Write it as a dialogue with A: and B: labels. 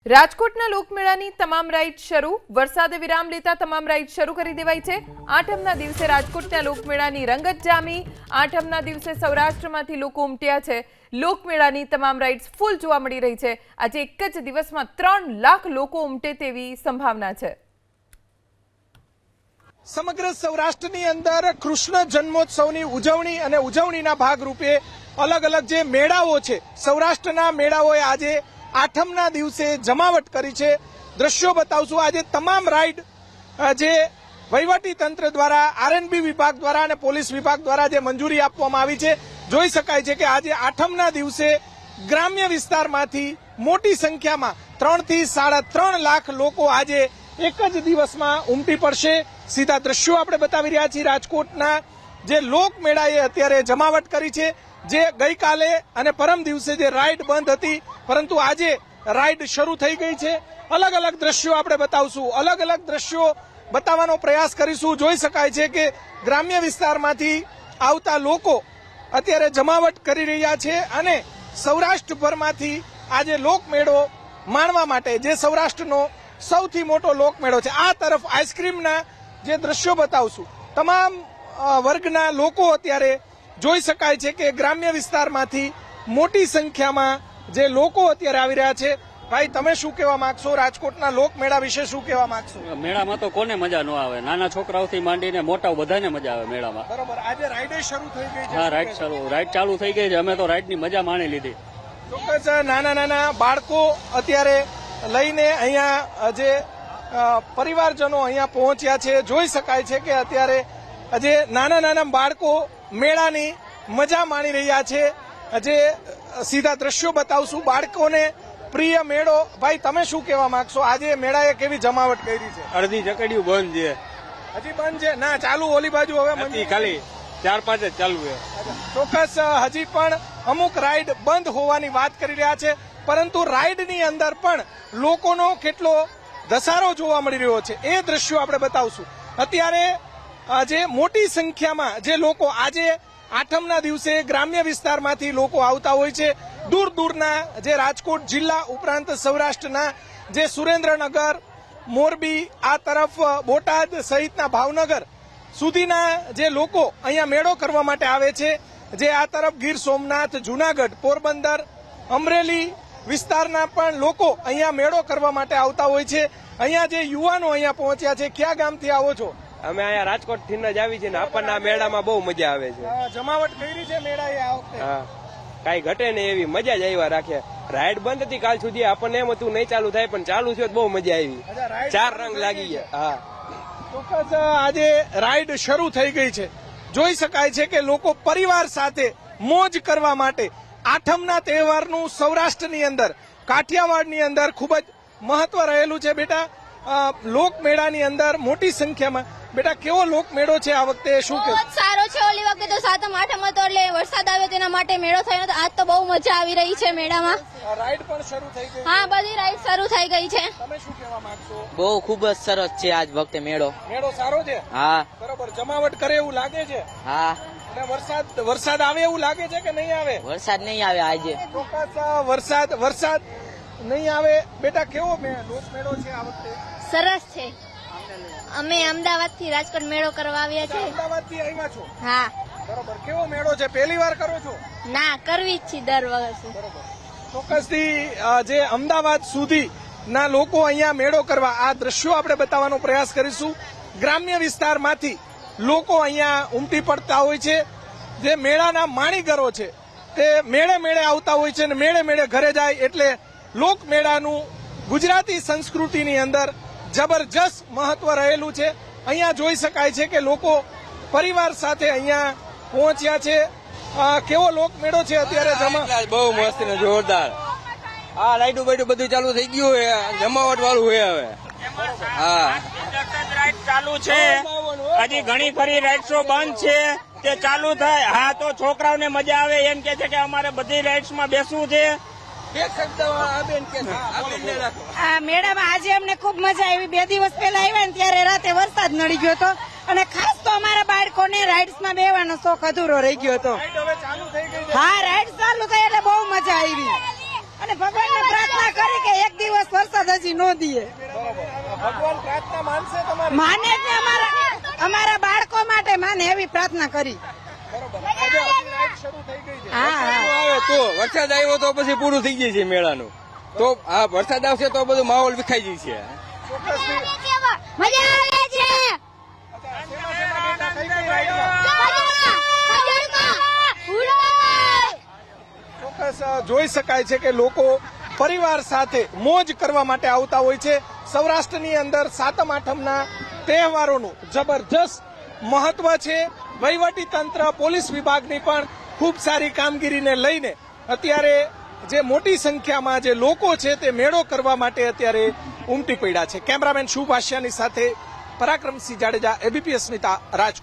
A: રાજકોટના લોકમેળાની તમામ રાઇડ શરૂ વરસાદે વિરામ લેતા તમામ રાઇડ શરૂ કરી દેવાઈ છે। આઠમના દિવસે રાજકોટના લોકમેળાની રંગત જામી। આઠમના દિવસે સૌરાષ્ટ્રમાંથી લોકો ઉમટ્યા છે। લોકમેળાની તમામ રાઇડ્સ ફૂલ જોવા મળી રહી છે। આજે એક જ દિવસમાં 3 લાખ લોકો ઉમટે તેવી સંભાવના છે।
B: સમગ્ર સૌરાષ્ટ્રની અંદર કૃષ્ણ જન્મોત્સવની ઉજવણી અને ઉજવણીના ભાગરૂપે અલગ અલગ જે મેળાઓ છે, સૌરાષ્ટ્રના મેળાઓએ આજે આઠમના દિવસે જમાવટ કરી છે। દ્રશ્યો બતાવશું। આજે તમામ રાઇડ જે વહીવટી તંત્ર દ્વારા, આરએનબી વિભાગ દ્વારા અને પોલીસ વિભાગ દ્વારા જે મંજૂરી આપવામાં આવી છે, જોઈ શકાય છે કે આજે આઠમના દિવસે ગ્રામ્ય વિસ્તારમાંથી મોટી સંખ્યામાં 3 થી 3.5 લાખ લોકો આજે એક જ દિવસમાં ઉમટી પડશે। સીધા દ્રશ્યો આપણે બતાવી રહ્યા છીએ। રાજકોટના જે લોકમેળાએ અત્યારે જમાવટ કરી છે, જે ગઈકાલે અને પરમ દિવસે જે રાઇડ બંધ હતી, પરંતુ આજે રાઇડ શરૂ થઈ ગઈ છે। અલગ અલગ દ્રશ્યો આપણે બતાવશું, અલગ અલગ દ્રશ્યો બતાવવાનો પ્રયાસ કરીશું। જોઈ શકાય છે કે ગ્રામ્ય વિસ્તારમાંથી આવતા લોકો અત્યારે જમાવટ કરી રહ્યા છે અને સૌરાષ્ટ્રભરમાંથી આજે લોકમેળો માણવા માટે, જે સૌરાષ્ટ્રનો સૌથી મોટો લોકમેળો છે, આ તરફ આઈસ્ક્રીમના જે દ્રશ્યો બતાવશું। તમામ વર્ગના લોકો અત્યારે જોઈ શકાય છે કે ગ્રામ્ય વિસ્તારમાંથી મોટી સંખ્યામાં જે લોકો અત્યારે આવી રહ્યા છે। ભાઈ, તમે શું કહેવા માંગશો? રાજકોટના લોકમેળા વિશે શું કહેવા માંગશો?
C: મેળામાં તો કોને મજા ન આવે? નાના છોકરાઓથી માંડીને મોટા બધાને મજા આવે મેળામાં।
B: બરોબર, આજે રાઇડ શરૂ થઈ ગઈ છે?
C: હા, રાઇડ ચાલુ થઈ ગઈ છે। અમે તો રાઇડની મજા માણી લીધી।
B: ચોક્કસ નાના નાના બાળકો અત્યારે લઈને અહીંયા જે પરિવારજનો અહીંયા પહોંચ્યા છે, જોઈ શકાય છે કે અત્યારે જે નાના નાના બાળકો મેળાની મજા માણી રહ્યા છે। જે સીધા દ્રશ્યો બતાવશું। બાળકોને પ્રિય મેળો। ભાઈ, તમે શું કહેવા માંગશો? આજે મેળાએ કેવી જમાવટ કરી છે?
D: અડધી ચકડીઓ બંધ છે,
B: હજી બંધ છે? ના, ચાલુ ઓલી બાજુ હવે
D: ખાલી 4-5 જ ચાલુ છે।
B: ચોક્કસ હજી પણ અમુક રાઇડ બંધ હોવાની વાત કરી રહ્યા છે, પરંતુ રાઇડની અંદર પણ લોકોનો કેટલો ધસારો જોવા મળી રહ્યો છે, એ દ્રશ્યો આપણે બતાવશું। અત્યારે જે મોટી સંખ્યામાં જે લોકો આજે આઠમના દિવસે ગ્રામ્ય વિસ્તારમાંથી લોકો આવતા હોય છે, દૂર દૂરના જે રાજકોટ જિલ્લા ઉપરાંત સૌરાષ્ટ્રના જે સુરેન્દ્રનગર, મોરબી, આ તરફ બોટાદ સહિતના ભાવનગર સુધીના જે લોકો અહીંયા મેળો કરવા માટે આવે છે, જે આ તરફ ગીર સોમનાથ, જુનાગઢ, પોરબંદર, અમરેલી વિસ્તારના પણ લોકો અહીંયા મેળો કરવા માટે આવતા હોય છે। અહીંયા જે યુવાનો અહીંયા પહોંચ્યા છે, કયા ગામથી આવો છો?
D: અમે અહીંયા રાજકોટ થી જ આવી છે ને આપણને આ મેળામાં બહુ મજા આવે છે।
B: જમાવટ કરી છે મેળાએ આ વખતે?
D: હા, કઈ ઘટે ને એવી મજા જ આવ્યા રાખે। રાઇડ બંધ હતી કાલ સુધી, આપણને એમ હતું નહીં ચાલુ થાય, પણ ચાલુ થયો બહુ મજા આવી। 4 રંગ લાગી ગયા। હા,
B: ચોક્કસ આજે રાઇડ શરૂ થઈ ગઈ છે। જોઈ શકાય છે કે લોકો પરિવાર સાથે મોજ કરવા માટે આઠમના તહેવારનું સૌરાષ્ટ્રની અંદર, કાઠિયાવાડની અંદર ખૂબ જ મહત્વ રહેલું છે। બેટા, લોકમેળાની અંદર મોટી સંખ્યામાં, બેટા કેવો લોકમેળો છે આ વખતે? શું કે
E: સારો છે? ઓલી વખતે તો 7મ 8મ હતો એટલે વરસાદ આવ્યો તેના માટે મેળો થયો હતો। આજ તો બહુ મજા આવી રહી છે મેળામાં।
B: રાઇડ પણ શરૂ થઈ ગઈ?
E: હા, બધી રાઇડ શરૂ થઈ ગઈ છે।
B: તમે શું કહેવા માંગશો?
F: બહુ ખૂબ જ સરસ છે આજ વખતે મેળો।
B: મેળો સારો છે?
F: હા,
B: બરોબર। જમાવટ કરે એવું લાગે છે?
F: હા।
B: અને વરસાદ આવે એવું લાગે છે કે નહીં આવે?
F: વરસાદ નહીં આવે આજે।
B: ચોક્કસ વરસાદ નહીં આવે। બેટા, કેવો લોકમેળો છે આ વખતે?
E: સરસ છે। અમે અમદાવાદ થી રાજકોટ મેળો કરવા આવ્યા છે।
B: અમદાવાદ થી આવ્યા છો?
E: હા।
B: બરોબર। કેવો મેળો છે? પહેલી વાર કરો છો?
E: ના, કરવી જ છે દર વર્ષે।
B: બરોબર। ચોક્કસથી જે અમદાવાદ સુધી ના લોકો અહીંયા મેળો કરવા, આ દ્રશ્યો આપણે બતાવવાનો પ્રયાસ કરીશું। ગ્રામ્ય વિસ્તારમાંથી લોકો અહીંયા ઉમટી પડતા હોય છે। જે મેળાના માણીગરો છે તે મેળે મેળે આવતા હોય છે અને મેળે મેળે ઘરે જાય, એટલે લોકમેળાનું ગુજરાતી સંસ્કૃતિની અંદર જબરજસ્ત મહત્વ રહેલું છે। અહીંયા જોઈ શકાય છે કે લોકો પરિવાર સાથે અહીંયા પહોંચ્યા છે। કેવો લોકમેળો છે અત્યારે?
D: બહુ મસ્ત ને જોરદાર। હા, લાઈટું બાઈટું બધું ચાલુ થઈ ગયું છે, જમાવટ વાળું છે હવે। હા,
G: રાઈડ ચાલુ છે, હજી ઘણી ખરી રાઇડ્સો બંધ છે, તે ચાલુ થાય હા તો છોકરાઓને મજા આવે એમ કે છે કે અમારે બધી રાઇડ્સમાં બેસવું છે।
H: આ મેળામાં આજે અમને ખૂબ મજા આવી। 2 દિવસ પહેલા આવ્યા ને ત્યારે રાતે વરસાદ નડી ગયો હતો અને ખાસ તો અમારા બાળકોને રાઇડ્સમાં બેવાનો શોખ અધૂરો રહી ગયો હતો। હા, રાઇડ ચાલુ થઈ એટલે બહુ મજા આવી। અને ભગવાનને પ્રાર્થના કરી કે એક દિવસ વરસાદ હજી ન દઈએ.
B: ભગવાન પ્રાર્થના માનશે તમારી?
H: માને જ ને અમારા બાળકો માટે માને એવી પ્રાર્થના કરી.
B: રાઈડ શરૂ થઈ ગઈ છે.
H: હા હા
D: આવે તો વરસાદ આવ્યો તો પછી પૂરું થઈ જાય છે મેળાનું. તો આ વરસાદ આવશે તો બધું માહોલ વિખાઈ જાય છે.
B: ચોક્કસથી.
E: મજા આવે છે.
B: શેમાં બેઠા? કઈ કઈ રાઈડમાં? ચોક્કસ જોઈ શકાય છે કે લોકો પરિવાર સાથે મોજ કરવા માટે આવતા હોય છે. સૌરાષ્ટ્રની અંદર સાતમ આઠમના તહેવારોનું જબરજસ્ત મહત્વ છે. વહીવટી તંત્ર, પોલીસ વિભાગની પણ ખૂબ સારી કામગીરીને લઈને અત્યારે જે મોટી સંખ્યામાં જે લોકો છે તે મેળો કરવા માટે અત્યારે ઉમટી પડ્યા છે. કેમેરામેન શુભ આશિયાની સાથે પરાક્રમસિંહ જાડેજા, એબીપી અસ્મિતા, રાજકોટ.